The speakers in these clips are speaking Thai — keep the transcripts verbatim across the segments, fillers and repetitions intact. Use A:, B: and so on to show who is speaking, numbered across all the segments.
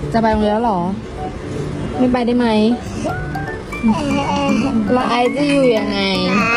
A: จะไปโรงเรียนแล้วเหรอไม่ไปได้ไหมแล้วไอจะอยู่ยังไง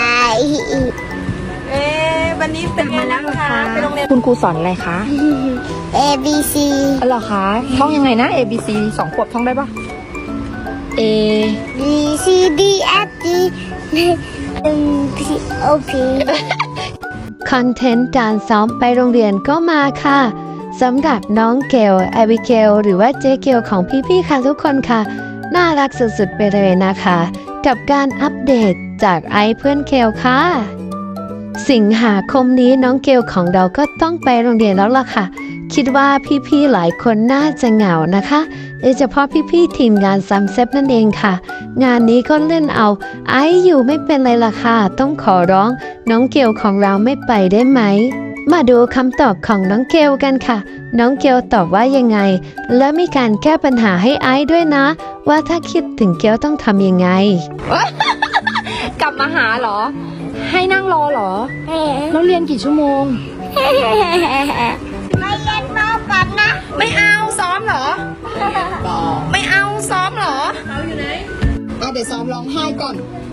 B: เอ๊ะวันนี้เป็นมาแล้วคะไปโรงเรียน
A: คุณครูสอนอะไรคะ
C: A B C
A: อ๋อเหรอคะท่องยังไงนะ A B C สองขวบท่องได้ปะ A
C: B C D F G M P O P
D: คอนเทนต์การซ้อมไปโรงเรียนก็มาค่ะสำหรับน้องเกลแอบิเกลหรือว่าเจ๊เกลของพี่ๆค่ะทุกคนค่ะน่ารักสุดๆไปเลยนะคะ กับการอัปเดตจากไอเพื่อนเกลค่ะสิงหาคมนี้น้องเกลของเราก็ต้องไปโรงเรียนแล้วล่ะค่ะคิดว่าพี่ๆหลายคนน่าจะเหงานะคะโดยเฉพาะพี่ๆทีมงานซัมเซฟนั่นเองค่ะงานนี้ก็เล่นเอาไออยู่ไม่เป็นไรล่ะค่ะต้องขอร้องน้องเกลของเราไม่ไปได้ไหมมาดูคำตอบของน้องเกลกันค่ะน้องเกลตอบว่ายังไงและมีการแก้ปัญหาให้ไอด้วยนะว่าถ้าคิดถึงเกลต้องทำยังไง
A: กลับมาหาเหรอให้นั่งรอเหรอแล้วเรียนกี่ชั่วโมง
C: ไม่เล่นบอลกันนะ
B: ไม่เอาซ้อมเหรอ ไม่เอาซ้อมเหรอเอาอยู่ไหน
A: เอาเดี๋ยวซ้อมร้องไห้ก่อน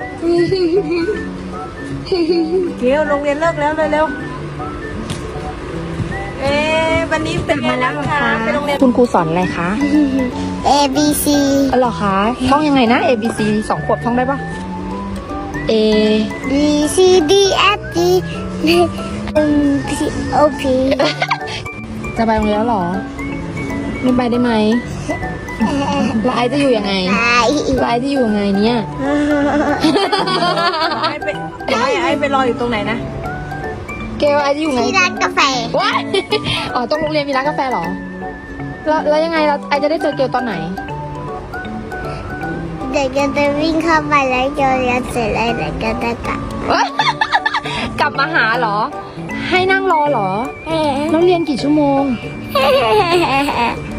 B: เกลโรงเรียนเลิกแล้วเร็วๆเอ๊ะวันนี้เป็นมาแล้วคะไปโรงเรียน
A: คุณครูสอนอะไรคะ
C: A B C
A: อ๋อเหรอคะท่องยังไงนะ A B C สองขวบท่องได้ปะ A
C: B C D F G M P O P
A: จะไปโรงเรียนแล้วเหรอไม่ไปได้ไหมแล้วไอจะอยู่ยังไงแล้วไอจะอยู่ยังไงเนี่ย
B: ไอ้ไปไอ้ไอ้ไปรออยู่ตรงไหนนะ
A: เกลไอจะอยู่ไง
C: ที่ร้านกาแฟ
A: ว้ายอ๋อตรงโรงเรียนมีร้านกาแฟเหรอแล้วแล้วยังไงเราไอจะได้เจอเกลตอนไหน
C: เด็กก็จะวิ่งเข้าไปแล้วเจอเรียนเสร็จแล้วเด็กก็จะกลับ
A: กลับมาหาเหรอให้นั่งรอเหรอแล้วเรียนกี่ชั่วโมง